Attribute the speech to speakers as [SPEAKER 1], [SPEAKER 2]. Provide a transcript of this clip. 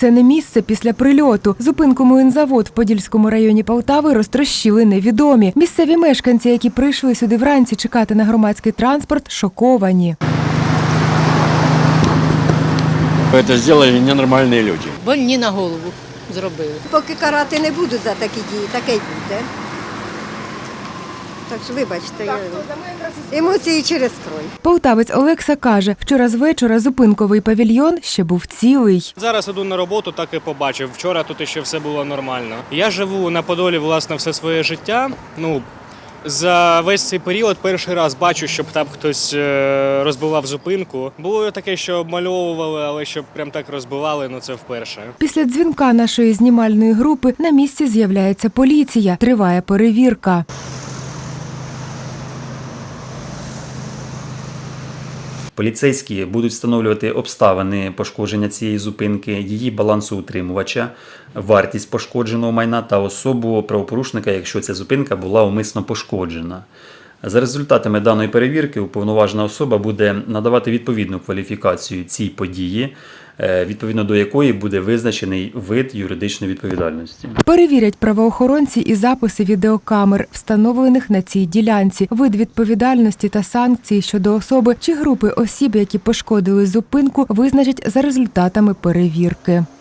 [SPEAKER 1] Це не місце після прильоту. Зупинку Млинзавод в Подільському районі Полтави розтрощили невідомі. Місцеві мешканці, які прийшли сюди вранці чекати на громадський транспорт, шоковані.
[SPEAKER 2] Це зробили ненормальні люди.
[SPEAKER 3] Больні на голову зробили.
[SPEAKER 4] Поки карати не буду за такі дії, таке й буде. Так що, вибачте, емоції через крой.
[SPEAKER 1] Полтавець Олекса каже, вчора з вечора зупинковий павільйон ще був цілий.
[SPEAKER 5] Зараз іду на роботу, так і побачив. Вчора тут ще все було нормально. Я живу на Подолі, власне, все своє життя. За весь цей період перший раз бачу, щоб там хтось розбивав зупинку. Було таке, що обмальовували, але щоб прям так розбивали, це вперше.
[SPEAKER 1] Після дзвінка нашої знімальної групи на місці з'являється поліція. Триває перевірка.
[SPEAKER 6] Поліцейські будуть встановлювати обставини пошкодження цієї зупинки, її балансоутримувача, вартість пошкодженого майна та особу правопорушника, якщо ця зупинка була умисно пошкоджена. За результатами даної перевірки уповноважена особа буде надавати відповідну кваліфікацію цій події, відповідно до якої буде визначений вид юридичної відповідальності.
[SPEAKER 1] Перевірять правоохоронці і записи відеокамер, встановлених на цій ділянці, вид відповідальності та санкції щодо особи чи групи осіб, які пошкодили зупинку, визначать за результатами перевірки.